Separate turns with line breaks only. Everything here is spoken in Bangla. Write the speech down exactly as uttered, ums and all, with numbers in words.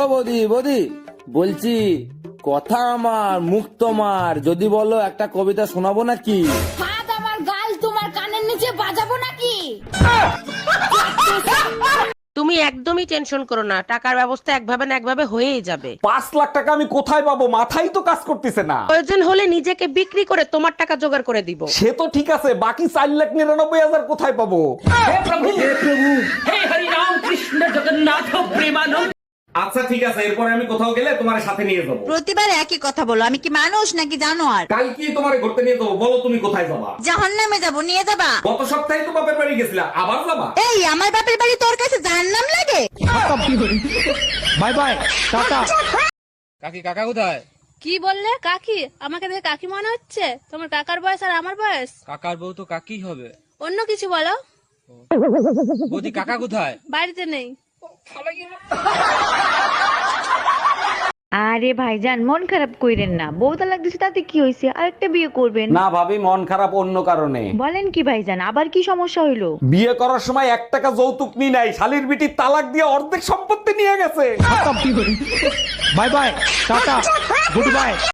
ও বৌদি বৌদি বলছি কথা আমার মুখ তোমার, যদি বলো একটা কবিতা শোনাবো নাকি?
হাত আমার গাল তোমার কানের নিচে বাজাবো নাকি?
তুমি একদমই টেনশন করো না, টাকার ব্যবস্থা একভাবে না একভাবে হয়েই যাবে।
পাঁচ লাখ টাকা আমি কোথায় পাবো? মাথাই তো কাজ করতেছে না।
প্রয়োজন হলে নিজেকে বিক্রি করে তোমার টাকা জোগাড় করে দিব।
সে তো ঠিক আছে, বাকি চার লাখ নিরানব্বই হাজার কোথায় পাবো? আচ্ছা ঠিক আছে, এরপরে আমি কোথাও গেলে তোমার সাথে নিয়ে যাবো।
প্রতিবার একই কথা বলো, আমি কি মানুষ নাকি জানো? আর
কাল কি তোমার ঘুরতে নিয়ে যাবো? বলো তুমি কোথায় যাবা?
জাহান্নামে যাবো, নিয়ে যাবা?
গত সপ্তাহে তো বাপের বাড়ি গেছিলা, আবার যাবা?
এই আমার বাপের বাড়ি তোর কাছে জাহান্নাম লাগে?
Bye bye, tata. কাকি কাকা কোথায়?
কি বললে? কাকি? আমাকে দেখে কাকি মনে হচ্ছে? তোমার কাকার বয়স আর আমার বয়স?
কাকার বউ তো কাকি হবে।
অন্য কিছু বলো।
বৌদি কাকা কোথায়?
বাড়িতে নেই।
আরে ভাইজান মন খারাপ কইরেন না, বউ তালাক দিছে তাতে কি হইছে, আরেকটা বিয়ে করবেন।
না ভাবি, মন খারাপ অন্য কারণে।
বলেন কি ভাইজান, আবার কি সমস্যা হইলো?
বিয়ে করার সময় এক টাকা যৌতুক নি নাই, শালির বিটি তালাক দিয়ে অর্ধেক সম্পত্তি নিয়ে গেছে।
Bye bye, tata, good bye.